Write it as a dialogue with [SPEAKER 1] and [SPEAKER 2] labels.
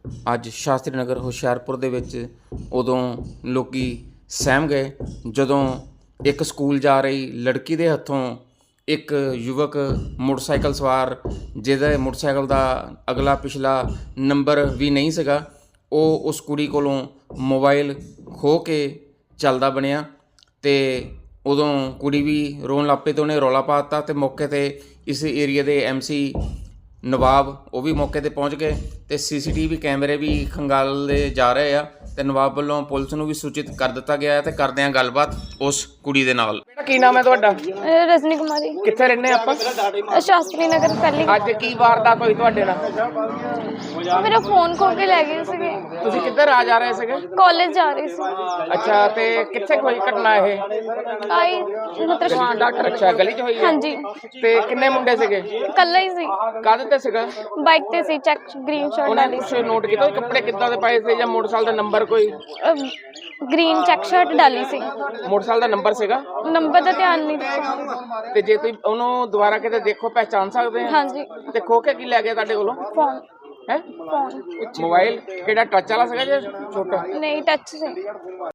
[SPEAKER 1] ਅੱਜ ਸ਼ਾਸਤਰੀ ਨਗਰ ਹੁਸ਼ਿਆਰਪੁਰ ਦੇ ਵਿੱਚ ਉਦੋਂ ਲੋਕੀ ਸਹਿਮ ਗਏ ਜਦੋਂ ਇੱਕ ਸਕੂਲ ਜਾ ਰਹੀ ਲੜਕੀ ਦੇ ਹੱਥੋਂ ਇੱਕ ਯੁਵਕ ਮੋਟਰਸਾਈਕਲ ਸਵਾਰ ਜਿਹਦੇ ਮੋਟਰਸਾਈਕਲ ਦਾ ਅਗਲਾ ਪਿਛਲਾ ਨੰਬਰ ਵੀ ਨਹੀਂ ਸੀਗਾ, ਉਹ ਉਸ ਕੁੜੀ ਕੋਲੋਂ ਮੋਬਾਈਲ ਖੋਹ ਕੇ ਚੱਲਦਾ ਬਣਿਆ। ਅਤੇ ਉਦੋਂ ਕੁੜੀ ਵੀ ਰੋਣ ਲੱਗ ਪਈ ਅਤੇ ਉਹਨੇ ਰੌਲਾ ਪਾ ਦਿੱਤਾ ਅਤੇ ਮੌਕੇ 'ਤੇ ਇਸ ਏਰੀਏ ਦੇ MC ਨਵਾਬ ਉਹ ਵੀ ਮੌਕੇ 'ਤੇ ਪਹੁੰਚ ਗਏ ਅਤੇ CCTV ਕੈਮਰੇ ਵੀ ਖੰਗਾਲੇ ਜਾ ਰਹੇ ਆ ਅਤੇ ਨਵਾਬ ਵੱਲੋਂ ਪੁਲਿਸ ਨੂੰ ਵੀ ਸੂਚਿਤ ਕਰ ਦਿੱਤਾ ਗਿਆ ਹੈ ਅਤੇ ਕਰਦੇ ਹਾਂ ਗੱਲਬਾਤ ਉਸ ਕੁੜੀ ਦੇ ਨਾਲ। ਕੀ ਨਾਮ ਹੈ ਤੁਹਾਡਾ?
[SPEAKER 2] ਰਜਨੀ ਕੁਮਾਰੀ।
[SPEAKER 1] ਕਿੱਥੇ ਰਹਿੰਦੇ ਆਪਾਂ?
[SPEAKER 2] ਸ਼ਾਸਤਰੀ ਨਗਰ ਪਹਿਲੀ।
[SPEAKER 1] ਅੱਜ ਕੀ ਵਾਰਦਾਤ ਹੋਈ ਤੁਹਾਡੇ ਨਾਲ?
[SPEAKER 2] ਮੇਰਾ ਫੋਨ ਖੋ ਕੇ ਲੈ ਗਏ ਸੀਗੇ।
[SPEAKER 1] ਤੁਸੀਂ ਕਿੱਧਰ ਆ ਜਾ ਰਹੇ ਸੀਗੇ?
[SPEAKER 2] ਕਾਲਜ ਜਾ ਰਹੀ ਸੀ।
[SPEAKER 1] ਅੱਛਾ, ਤੇ ਕਿੱਥੇ ਹੋਈ ਘਟਨਾ ਇਹ?
[SPEAKER 2] ਆਈ ਮਤਲਬ
[SPEAKER 1] ਡਾਕਟਰ ਅੱਛਾ ਗਲੀ 'ਚ ਹੋਈ?
[SPEAKER 2] ਹਾਂਜੀ।
[SPEAKER 1] ਤੇ ਕਿੰਨੇ ਮੁੰਡੇ ਸੀਗੇ?
[SPEAKER 2] ਕੱਲਾ ਹੀ ਸੀ।
[SPEAKER 1] ਕਾਹਦੇ ਤੇ ਸੀਗਾ?
[SPEAKER 2] ਬਾਈਕ ਤੇ ਸੀ, ਚੈੱਕ ਗ੍ਰੀਨ ਸ਼ਰਟ
[SPEAKER 1] ਉਹਨੇ
[SPEAKER 2] ਵਾਲੀ।
[SPEAKER 1] ਕੁਛ ਨੋਟ ਕੀਤਾ ਕੱਪੜੇ ਕਿੱਦਾਂ ਦੇ ਪਾਏ ਸੀ ਜਾਂ ਮੋਟਰਸਾਈਕਲ ਦਾ ਨੰਬਰ ਕੋਈ?
[SPEAKER 2] ਗ੍ਰੀਨ ਚੈੱਕ ਸ਼ਰਟ ਡਾਲੀ ਸੀ।
[SPEAKER 1] ਮੋਟਰਸਾਈਕਲ ਦਾ ਨੰਬਰ ਸੀਗਾ?
[SPEAKER 2] ਨੰਬਰ ਦਾ ਧਿਆਨ ਨਹੀਂ ਦਿੱਤਾ।
[SPEAKER 1] ਤੇ ਜੇ ਤੁਸੀਂ ਉਹਨੂੰ ਦੁਬਾਰਾ ਕਿਤੇ ਦੇਖੋ ਪਹਿਚਾਨ ਸਕਦੇ ਆ?
[SPEAKER 2] ਹਾਂਜੀ।
[SPEAKER 1] ਤੇ ਖੋ ਕੇ ਕੀ ਲੈ ਗਿਆ ਤੁਹਾਡੇ ਕੋਲੋਂ?
[SPEAKER 2] ਫੋਨ।
[SPEAKER 1] ਹੈ
[SPEAKER 2] ਫੋਨ।
[SPEAKER 1] ਮੋਬਾਈਲ ਕਿਹੜਾ ਟੱਚ ਵਾਲਾ ਸੀਗਾ ਜਾਂ ਛੋਟਾ?
[SPEAKER 2] ਨਹੀਂ, ਟੱਚ ਸੀ।